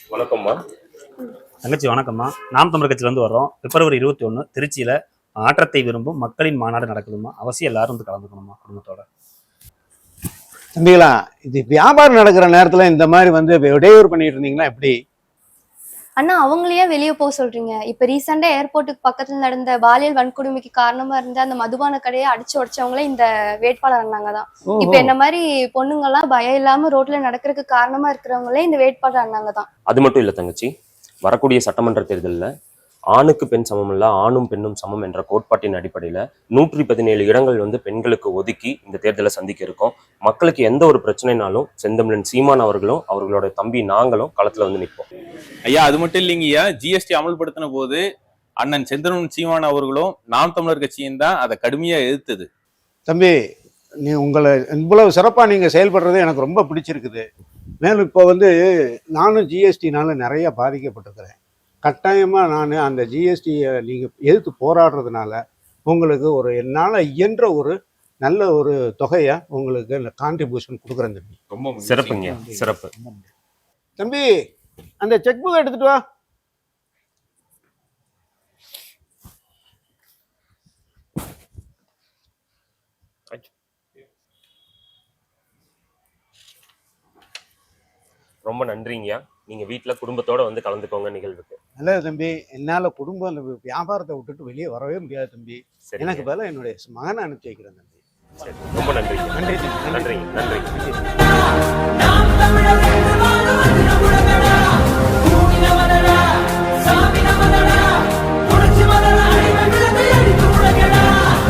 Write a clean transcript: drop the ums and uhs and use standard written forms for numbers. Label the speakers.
Speaker 1: வணக்கம்மா.
Speaker 2: தங்கச்சி வணக்கம்மா. நாம் தமிழர் கட்சியிலேருந்து வர்றோம். பிப்ரவரி 21 திருச்சியில் மாற்றத்தை விரும்பும் மக்களின் மாநாடு நடக்குதுமா. அவசியம் எல்லாரும் வந்து கலந்துக்கணுமா குடும்பத்தோட.
Speaker 3: தம்பிகளா, இது வியாபாரம் நடக்கிற நேரத்தில் இந்த மாதிரி வந்து இடையூறு பண்ணிட்டு இருந்தீங்கன்னா எப்படி?
Speaker 4: அண்ணா, அவங்களையே வெளியே போக சொல்றீங்க? இப்ப ரீசெண்டா ஏர்போர்ட்டுக்கு பக்கத்துல நடந்த பாலியல் வன்கொடுமைக்கு காரணமா இருந்த அந்த மதுபான கடையை அடிச்சு உடைச்சவங்களே இந்த வேட்பாளர் அண்ணாங்க தான். இப்ப என்ன மாதிரி பொண்ணுங்க எல்லாம் பயம் இல்லாம ரோட்ல நடக்கிறதுக்கு காரணமா இருக்கிறவங்களே இந்த வேட்பாளர் அண்ணாங்க தான்.
Speaker 1: அது மட்டும் இல்ல தங்கச்சி, வரக்கூடிய சட்டமன்ற தேர்தலில் ஆணுக்கு பெண் சமம் இல்ல, ஆணும் பெண்ணும் சமம் என்ற கோட்பாட்டின் அடிப்படையில 117 இடங்கள் வந்து பெண்களுக்கு ஒதுக்கி இந்த தேர்தலை சந்திக்க இருக்கோம். மக்களுக்கு எந்த ஒரு பிரச்சனைனாலும் செந்தமிழன் சீமான் அவர்களும் அவர்களோட தம்பி நாங்களும் களத்துல வந்து நிற்போம்.
Speaker 5: ஐயா, அது மட்டும் இல்லைங்கய்யா, ஜிஎஸ்டி அமல்படுத்தின போது அண்ணன் செந்தமிழன் சீமான் அவர்களும் நாம் தமிழர் கட்சியும் தான் அதை கடுமையா எதிர்த்தது.
Speaker 3: தம்பி, உங்களை இவ்வளவு சிறப்பாக நீங்கள் செயல்படுறது எனக்கு ரொம்ப பிடிச்சிருக்குது. மேலும் இப்போ வந்து நானும் ஜிஎஸ்டினால நிறைய பாதிக்கப்பட்டிருக்கிறேன். கட்டாயமாக நான் அந்த ஜிஎஸ்டியை நீங்கள் எதிர்த்து போராடுறதுனால உங்களுக்கு ஒரு என்னால் இயன்ற ஒரு நல்ல ஒரு தொகையை உங்களுக்கு கான்ட்ரிபியூஷன் கொடுக்குறேன் தம்பி.
Speaker 1: ரொம்ப சிறப்புங்க, சிறப்பு.
Speaker 3: தம்பி, அந்த செக் புக் எடுத்துட்டு வா.
Speaker 1: ரொம்ப நன்றிங்கய்யா. நீங்க வீட்டுல குடும்பத்தோட வந்து கலந்துக்கோங்க நிகழ்வுக்கு.
Speaker 3: நல்லது தம்பி. என்னால் குடும்பம் அந்த வியாபாரத்தை விட்டுட்டு வெளியே வரவே முடியாது தம்பி. எனக்கு பதிலாக என்னுடைய மகனை அனுப்பிச்சி வைக்கிறேன் தம்பி.
Speaker 1: சரி, ரொம்ப நன்றி.
Speaker 3: நன்றி
Speaker 1: நன்றி. நன்றி.
Speaker 3: நன்றி.